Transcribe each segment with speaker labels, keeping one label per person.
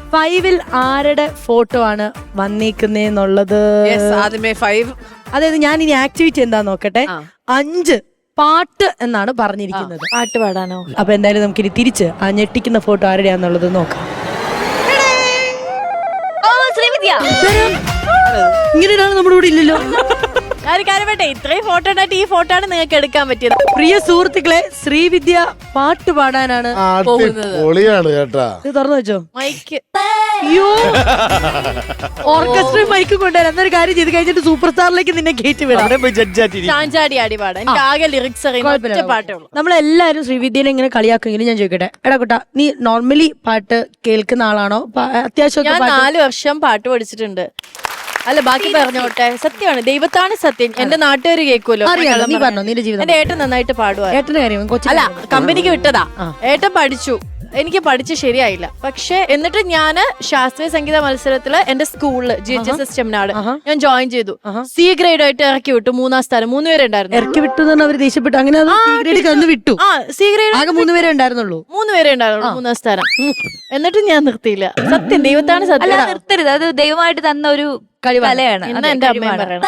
Speaker 1: 5-ൽ ആരുടെ ഫോട്ടോ ആണ് വന്നേക്കുന്നേന്നുള്ളത്?
Speaker 2: ആദ്യമേ 5.
Speaker 1: അതായത് ഞാൻ ഇനി ആക്ടിവിറ്റി എന്താ നോക്കട്ടെ. 5 പാട്ട് എന്നാണ് പറഞ്ഞിരിക്കുന്നത്.
Speaker 3: പാട്ട് പാടാനോ?
Speaker 1: അപ്പൊ എന്തായാലും നമുക്ക് ഇനി തിരിച്ച് ആ ഞെട്ടിക്കുന്ന ഫോട്ടോ ആരുടെയാന്നുള്ളത് നോക്കാം. ഇങ്ങനെ ഒരാൾ നമ്മുടെ കൂടെ ഇല്ലല്ലോ.
Speaker 3: കാര്യപ്പെട്ടെ ഇത്രയും ഫോട്ടോ ഉണ്ടായിട്ട് ഈ ഫോട്ടോ ആണ് നിങ്ങൾക്ക് എടുക്കാൻ പറ്റിയത്.
Speaker 1: പ്രിയ സുഹൃത്തുക്കളെ, ശ്രീവിദ്യ പാട്ട് പാടാനാണ് പോകുന്നത്. ഇത് തുറന്നു വെച്ചോ
Speaker 3: മൈക്ക്.
Speaker 1: അയ്യോ, ഓർക്കസ്ട്ര മൈക്ക് കൊണ്ടുവരാം. എന്നൊരു കാര്യം ചെയ്ത് കഴിഞ്ഞിട്ട് സൂപ്പർ സ്റ്റാറിലേക്ക് നിന്നെ കയറ്റി വിടാം.
Speaker 3: ചാഞ്ചാടി ആടി പാടാം. എനിക്ക് ആകെ ലിറിക്സ് അറിയുന്ന പാട്ടേ ഉള്ളൂ.
Speaker 1: നമ്മളെല്ലാരും ശ്രീവിദ്യനെ ഇങ്ങനെ കളിയാക്കുമെങ്കിലും ഞാൻ ചോദിക്കട്ടെ, എടാ കുട്ടാ, നീ നോർമലി പാട്ട് കേൾക്കുന്ന ആളാണോ? അത്യാവശ്യം
Speaker 3: ഞാൻ 4 വർഷം പാട്ട് പഠിച്ചിട്ടുണ്ട്. അല്ല, ബാക്കി പറഞ്ഞോട്ടെ. സത്യമാണ്, ദൈവത്താണ് സത്യം. എന്റെ നാട്ടുകാർ കേൾക്കുമല്ലോ.
Speaker 1: നീ പറഞ്ഞോ നിന്റെ ജീവിതം.
Speaker 3: എന്റെ ഏട്ടൻ നന്നായിട്ട് പാടുവാ.
Speaker 1: ഏട്ടന്റെ കാര്യം
Speaker 3: അല്ല, കമ്പനിക്ക് വിട്ടതാ. ഏട്ടൻ പഠിച്ചു, എനിക്ക് പഠിച്ച് ശരിയായില്ല. പക്ഷെ എന്നിട്ട് ഞാന് ശാസ്ത്രീയ സംഗീത മത്സരത്തില് എന്റെ സ്കൂളില് GHS ചെമ്മനാട് ഞാൻ ജോയിൻ ചെയ്തു. C ഗ്രേഡ് ആയിട്ട് ഇറക്കി വിട്ടു. 3-ാം സ്ഥാനം. 3 പേരെ ഉണ്ടായിരുന്നു.
Speaker 1: ഇറക്കി വിട്ടു അവര് ദേഷ്യപ്പെട്ടു. അങ്ങനെ വിട്ടു.
Speaker 3: C ഗ്രേഡ്
Speaker 1: ആകെ 3 പേരെ ഉണ്ടായിരുന്നുള്ളൂ.
Speaker 3: 3 പേരെ ഉണ്ടായിരുന്നുള്ളൂ. 3-ാം സ്ഥാനം. എന്നിട്ട് ഞാൻ നിർത്തിയില്ല. സത്യം, ദൈവത്താണ് സത്യം.
Speaker 4: നിർത്തരുത്, അത് ദൈവമായിട്ട് തന്ന ഒരു കലയാണ്.
Speaker 3: എന്റെ അമ്മ പറയണം.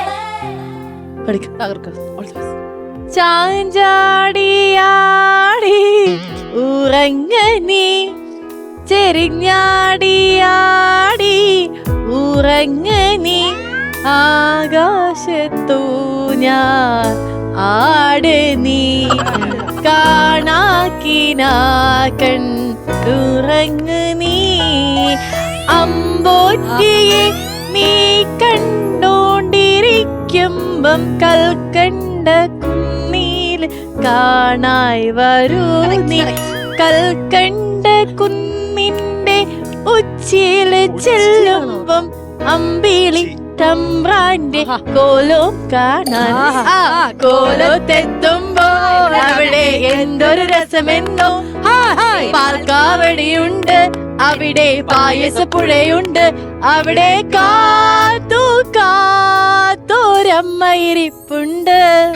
Speaker 3: ചാഞ്ചാടിയാടി ഉറങ്ങനി, ചെരിഞ്ഞാടിയാടി ഉറങ്ങനി, ആകാശത്തു ഞാൻ ആട് നീ, കാണാക്കിനാക്കൺ ഉറങ്ങ് നീ, അമ്പോറ്റിയെ നീ കണ്ടോണ്ടിരിക്കുമ്പം കൽക്കണ്ട കുന്നീൽ കാണായി വരൂ നീ, കൽക്കണ്ട കുന്നിന്റെ ഉച്ചിയില് ചെല്ലുമ്പം അമ്പിളി തമ്പ്രാന്റെ കോലം കാണാൻ, കോലത്തെത്തുമ്പോൾ അവിടെ എന്തൊരു രസമെന്നോ, പാൽക്കാവടിയുണ്ട്, അവിടെ പായസപ്പുഴയുണ്ട്, അവിടെ കാത്തു കാത്തോരമ്മയിരിപ്പുണ്ട്.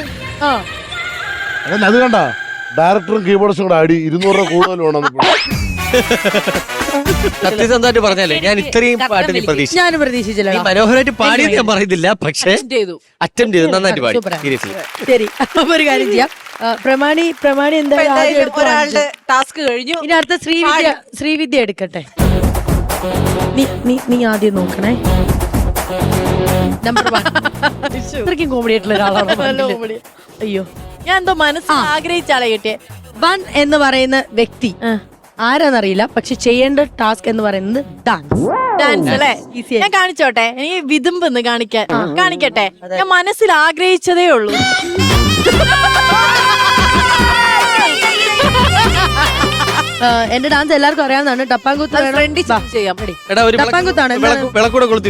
Speaker 5: അത് കണ്ട ഡയറക്ടറും കീബോർഡ്സും കൂടെ ആടി 200 രൂപ കൂടുതൽ വേണം.
Speaker 6: സത്യസന്ധമായിട്ട് പറഞ്ഞാലേ ഞാൻ ഇത്രയും പാട്ട്
Speaker 1: ഞാൻ പ്രതീക്ഷിച്ചില്ല.
Speaker 6: മനോഹരമായിട്ട് പാടിയത് ഞാൻ പറയുന്നില്ല, പക്ഷെ അറ്റംപ്റ്റ് ചെയ്തു, നന്നായിട്ട് പാടി. സീരിയസ്ലി.
Speaker 1: ശരി, അപ്പൊ ഒരു കാര്യം ചെയ്യാം. പ്രമാണി എന്തായാലും
Speaker 2: ഒരാളുടെ ടാസ്ക് കഴിഞ്ഞു.
Speaker 1: ഇനി അടുത്ത ശ്രീവിദ്യ എടുക്കട്ടെ. നീ ആദ്യം നോക്കണേ. നമ്പർ 1. ഇത്രയ്ക്കും കോമഡി ആയിട്ടുള്ള ഒരാളാണ്. അയ്യോ,
Speaker 3: ഞാൻ എന്തോ മനസ്സിൽ ആഗ്രഹിച്ചാളെ കിട്ടിയേ.
Speaker 1: 1 എന്ന് പറയുന്ന വ്യക്തി ആരാന്നറിയില്ല, പക്ഷെ ചെയ്യേണ്ട ടാസ്ക് എന്ന് പറയുന്നത്
Speaker 3: ഡാൻസ് അല്ലേ? ഞാൻ കാണിച്ചോട്ടെ, എനിക്ക് വിതുമ്പെന്ന് കാണിക്കട്ടെ. ഞാൻ മനസ്സിൽ ആഗ്രഹിച്ചതേ ഉള്ളൂ.
Speaker 1: എന്റെ ഡാൻസ് എല്ലാവർക്കും അറിയാവുന്നതാണ്. ടപ്പാങ്കുത്ത്
Speaker 3: ചെയ്യാം.
Speaker 1: ടപ്പാങ്കുത്താണ്.
Speaker 6: വിളക്കൂടെ കൊളുത്തി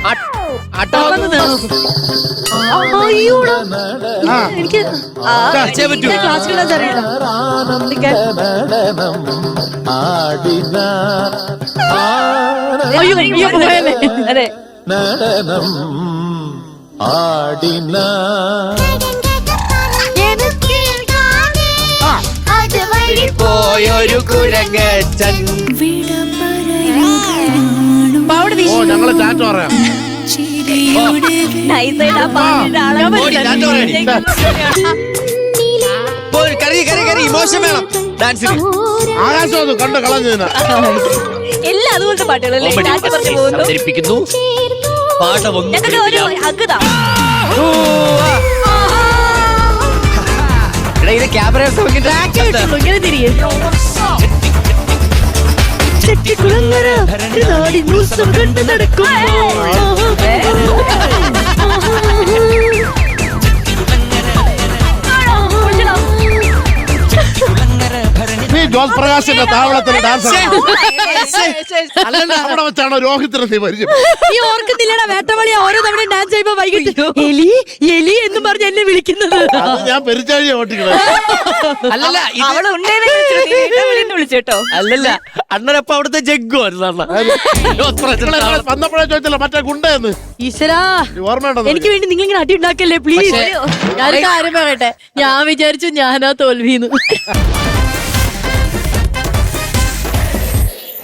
Speaker 1: എനിക്ക് ക്ലാസിക്കൽ ഡാൻസ് അറിയില്ല.
Speaker 4: അതെ,
Speaker 6: പോയൊരു കുരങ്ങച്ചൻ.
Speaker 5: ഞങ്ങളെ ചാറ്റ് പറയാം.
Speaker 6: ഇമോഷൻ വേണം ഡാൻസിന്.
Speaker 5: ആകാശം കണ്ട് കളഞ്ഞതിനാ
Speaker 4: എല്ലാം അതുപോലത്തെ പാട്ടുകളല്ലേ
Speaker 6: അവതരിപ്പിക്കുന്നു. ഇത് ക്യാമറ
Speaker 1: ഇങ്ങനെ തിരികെ ചെട്ടിക്കുളങ്ങര നാടിനുത്സവം കണ്ട്
Speaker 5: ജോസ് പ്രകാശിന്റെ താവളത്തിന് ഡാൻസ് അവിടെ വെച്ചാണോ രോഹിത്തിനെ നീ പരിചയം?
Speaker 1: നീ ഓർക്കുന്നില്ലടാ, വേട്ടവളിയ ഓരോ തവണ ഡാൻസ് ചെയ്യുമ്പോ വൈകിട്ട് എലി എലി എന്ന് പറഞ്ഞ് എന്നെ വിളിക്കുന്നത്.
Speaker 5: ഞാൻ പെരിച്ചാഴിയെ ഓട്ടിക്കണേ.
Speaker 6: അല്ലല്ല,
Speaker 4: വിളിച്ചേട്ടോ.
Speaker 6: അല്ലല്ല, അണ്ണനപ്പ അവിടുത്തെ ജഗ്ഗു
Speaker 5: വന്നപ്പോഴേ ചോദിച്ചല്ലോ മറ്റേ ഗുണ്ടെന്ന്.
Speaker 1: ഈശ്വരാ,
Speaker 5: ഓർമ്മയുണ്ടോ?
Speaker 1: എനിക്ക് വേണ്ടി നിങ്ങൾ ഇങ്ങനെ അടി ഉണ്ടാക്കല്ലേ പ്ലീസ്.
Speaker 3: ഞാനൊരു കാര്യം പറയട്ടെ, ഞാൻ വിചാരിച്ചു ഞാനാ തോൽവിന്ന്.